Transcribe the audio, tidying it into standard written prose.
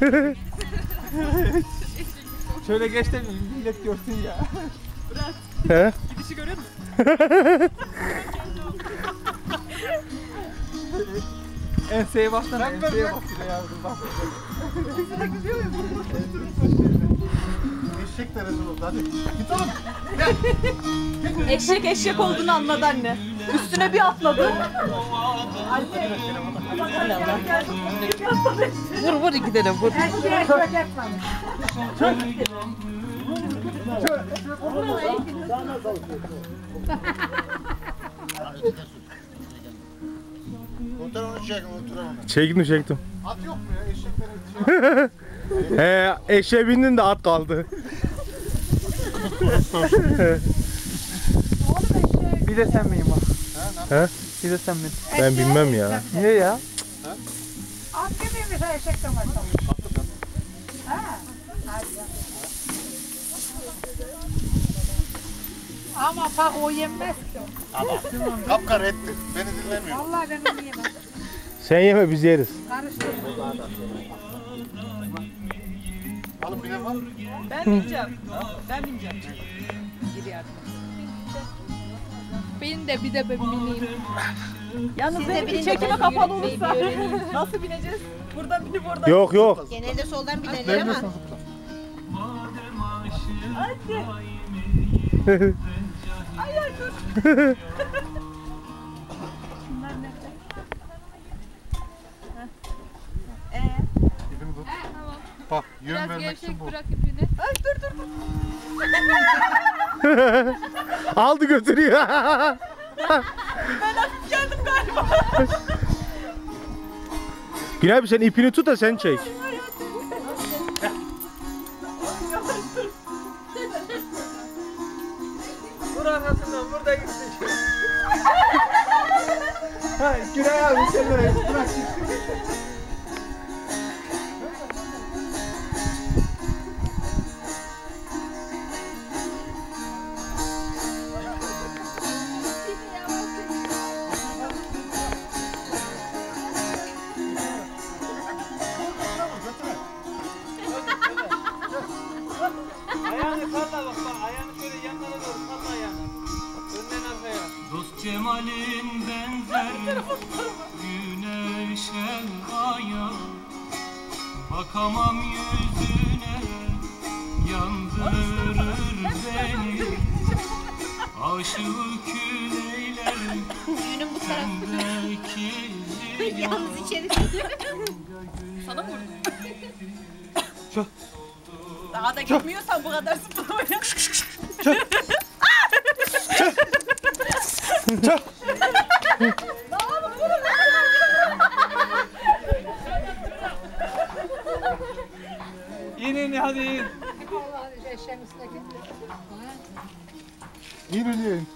Şöyle geç de millet görsün ya. Bırak. He? Gidişi görüyor musun? Enseye baksana, enseye bak bir de yavrum bak. Eşek de rezil oldu hadi. Git oğlum. Eşek olduğunu anladı anne. Üstüne bir atladı. Vur gidelim vur. Fotoğrafını çekin oturalım. Çektim. At yok mu ya eşeklerin? Eşeğe bindin de at kaldı. Bir de sen miyim bak? He? Bir de sen miyim? Ben bilmem ya. Niye ya? At gibi mesela eşek de var. Ama bak o yenmez ki. Kapkara etti. Beni dinlemiyor. Vallahi ben onu yemem. Sen yeme biz yeriz. Karıştır. Alıp bilen var mı? Ben bineceğim. Ben bineceğim. Gir yardım. Benim de bir de ben bineyim. Yalnız benimki çekime kapalı olursa nasıl bineceğiz? Buradan binip oradan. Yok. Genelde soldan binerler ama. Hadi. Ay dur. Şunlar nerede? İpini tut. Tamam. Bak yön Biraz vermek için gevşek bu. bırak ipini. Ay dur. Aldı götürüyor. Ben hafif geldim galiba. Günay abi sen ipini tut da sen çek. Vur arkasından, burada gitsin. Ha, Günay abi sen de bırak. Ayağını salla bak, ayağını şöyle yanlara doğru salla ayağını. Önden arkaya. Dost cemalin benzer güneşe aya, bakamam yüzüne yandırır beni, aşığı küleyler Düğünün bu tarafı. sendeki Yalnız içeri. Sana mı vurdum? Daha da gitmiyorsan bu kadar zıplamaya. İn hadi in. Vallahi eşeğin üstüne gitti. İn.